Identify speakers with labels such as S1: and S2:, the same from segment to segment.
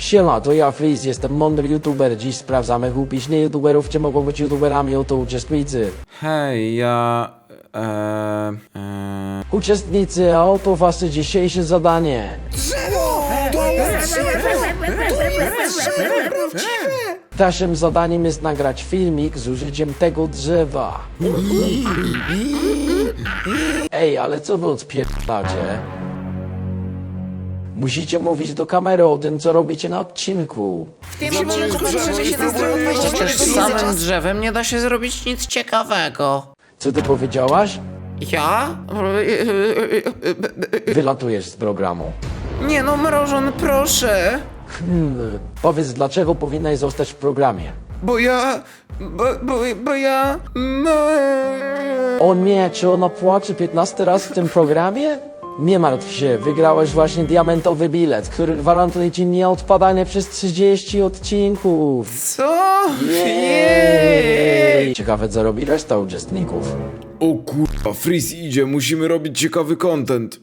S1: Siema, to ja Freeze, jestem mądry youtuber. Dziś sprawdzamy głupić nie youtuberów, czy mogą być youtuberami, oto uczestnicy.
S2: Hej, ja...
S1: Uczestnicy, a oto wasze dzisiejsze zadanie. Naszym zadaniem jest nagrać filmik z użyciem tego drzewa. Ej, ale co wy odpierdalacie? Musicie mówić do kamery o tym, co robicie na odcinku.
S3: Przecież z samym drzewem nie da się zrobić nic ciekawego.
S1: Co ty powiedziałaś?
S3: Ja?
S1: Wylatujesz z programu.
S3: Nie no, Mrożon, proszę.
S1: Powiedz, dlaczego powinnaś zostać w programie.
S3: Bo ja... Bo ja...
S1: O nie, czy ona płacze 15 raz w tym programie? Nie martw się, wygrałeś właśnie diamentowy bilet, który gwarantuje ci nieodpadanie przez 30 odcinków.
S3: Co? Jej!
S1: Ciekawe, co robi reszta uczestników.
S2: O kurwa, Freeze idzie, musimy robić ciekawy content.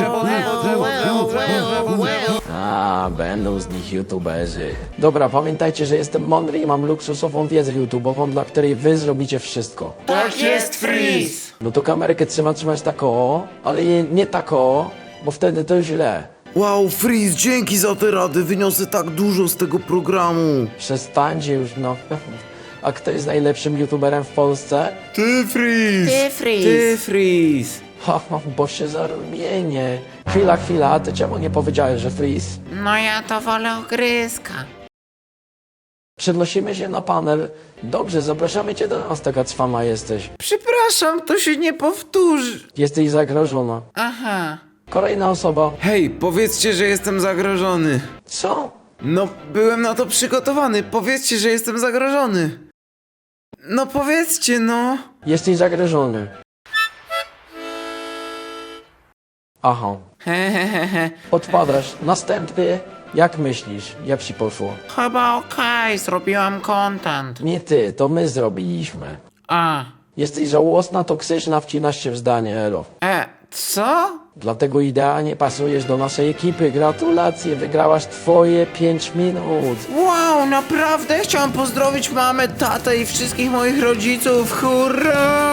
S1: A, będą z nich youtuberzy. Dobra, pamiętajcie, że jestem mądry i mam luksusową wiedzę YouTube'ową, dla której wy zrobicie wszystko.
S3: Tak jest, Freeze!
S1: No to kamerkę trzeba trzymać tak o, ale nie tak o, bo wtedy to źle.
S4: Wow, Freeze, dzięki za te rady, wyniosę tak dużo z tego programu.
S1: Przestańcie już, no. A kto jest najlepszym youtuberem w Polsce?
S2: Ty, Freeze!
S3: Ty, Freeze!
S2: Ty, Freeze!
S1: Ha, bo się zarumienię. Chwila, ty czemu nie powiedziałeś, że Freeze?
S3: No ja to wolę ogryzka.
S1: Przenosimy się na panel. Dobrze, zapraszamy cię do nas, taka cwana jesteś.
S3: Przepraszam, to się nie powtórzy.
S1: Jesteś zagrożona.
S3: Aha.
S1: Kolejna osoba.
S2: Hej, powiedzcie, że jestem zagrożony.
S1: Co?
S2: No, byłem na to przygotowany, powiedzcie, że jestem zagrożony. No powiedzcie, no.
S1: Jesteś zagrożony. Aha.
S3: Hehehe.
S1: Odpadasz. Następny. Jak myślisz? Jak ci poszło?
S3: Chyba okej, zrobiłam content.
S1: Nie ty, to my zrobiliśmy.
S3: A.
S1: Jesteś żałosna, toksyczna, wcinasz się w zdanie, elo.
S3: Co?
S1: Dlatego idealnie pasujesz do naszej ekipy. Gratulacje, wygrałaś twoje 5 minut.
S3: Wow, naprawdę? Chciałam pozdrowić mamę, tatę i wszystkich moich rodziców. Hurra!